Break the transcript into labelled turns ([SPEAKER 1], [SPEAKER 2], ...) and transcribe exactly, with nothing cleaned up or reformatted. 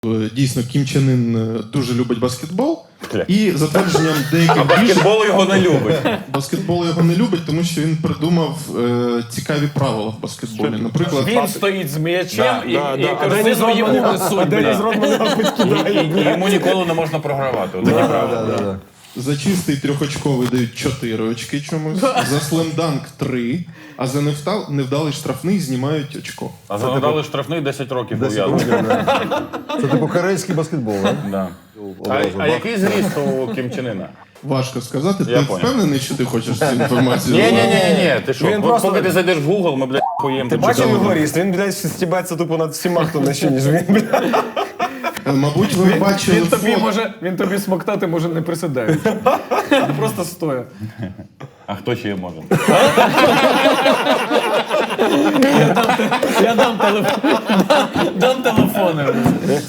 [SPEAKER 1] Дійсно, Кім Чен Ін дуже любить баскетбол. І за твердженням деяких
[SPEAKER 2] А баскетбол його не любить.
[SPEAKER 1] баскетбол його не любить, тому що він придумав е, цікаві правила в баскетболі. Наприклад,
[SPEAKER 3] Він стоїть з м'ячем
[SPEAKER 2] Да,
[SPEAKER 3] і,
[SPEAKER 2] да,
[SPEAKER 3] і
[SPEAKER 2] да.
[SPEAKER 3] корзину йому несуть.
[SPEAKER 4] Деніс
[SPEAKER 3] бля.
[SPEAKER 4] Родман його підкидає.
[SPEAKER 2] І, і йому ніколи не можна програвати. Отакі правила.
[SPEAKER 1] за чистий трьохочковий дають чотири очки чомусь, за слемданк три, а за невдал, невдалий штрафний знімають очко.
[SPEAKER 2] А задали штрафний десять років
[SPEAKER 4] Десять
[SPEAKER 2] ув'язнення.
[SPEAKER 4] років, да. Це типу корейський баскетбол, так?
[SPEAKER 2] Да. А,
[SPEAKER 4] Одразу,
[SPEAKER 2] а
[SPEAKER 4] бах.
[SPEAKER 2] який зріст у Кім Чен Іна?
[SPEAKER 1] Важко сказати,
[SPEAKER 2] Я
[SPEAKER 1] ти
[SPEAKER 2] понял.
[SPEAKER 1] впевнений, що ти хочеш цю інформацію?
[SPEAKER 2] Ні, ні, ні, ні, ти що?
[SPEAKER 4] Він
[SPEAKER 2] От
[SPEAKER 4] просто-
[SPEAKER 2] Поки ти зайдеш в Google, ми, блядь, хуєм.
[SPEAKER 4] Ти бачив його ріст? Він, блядь, стібається тупо над всіма, хто нижче, ніж він, блядь.
[SPEAKER 1] Е, Мабуть, ви бачили
[SPEAKER 3] Він тобі,
[SPEAKER 1] фото.
[SPEAKER 3] може, він тобі смоктати може не присідаючи. Просто стоя.
[SPEAKER 2] А хто ще може?
[SPEAKER 3] Я дам телефон. Дам телефони.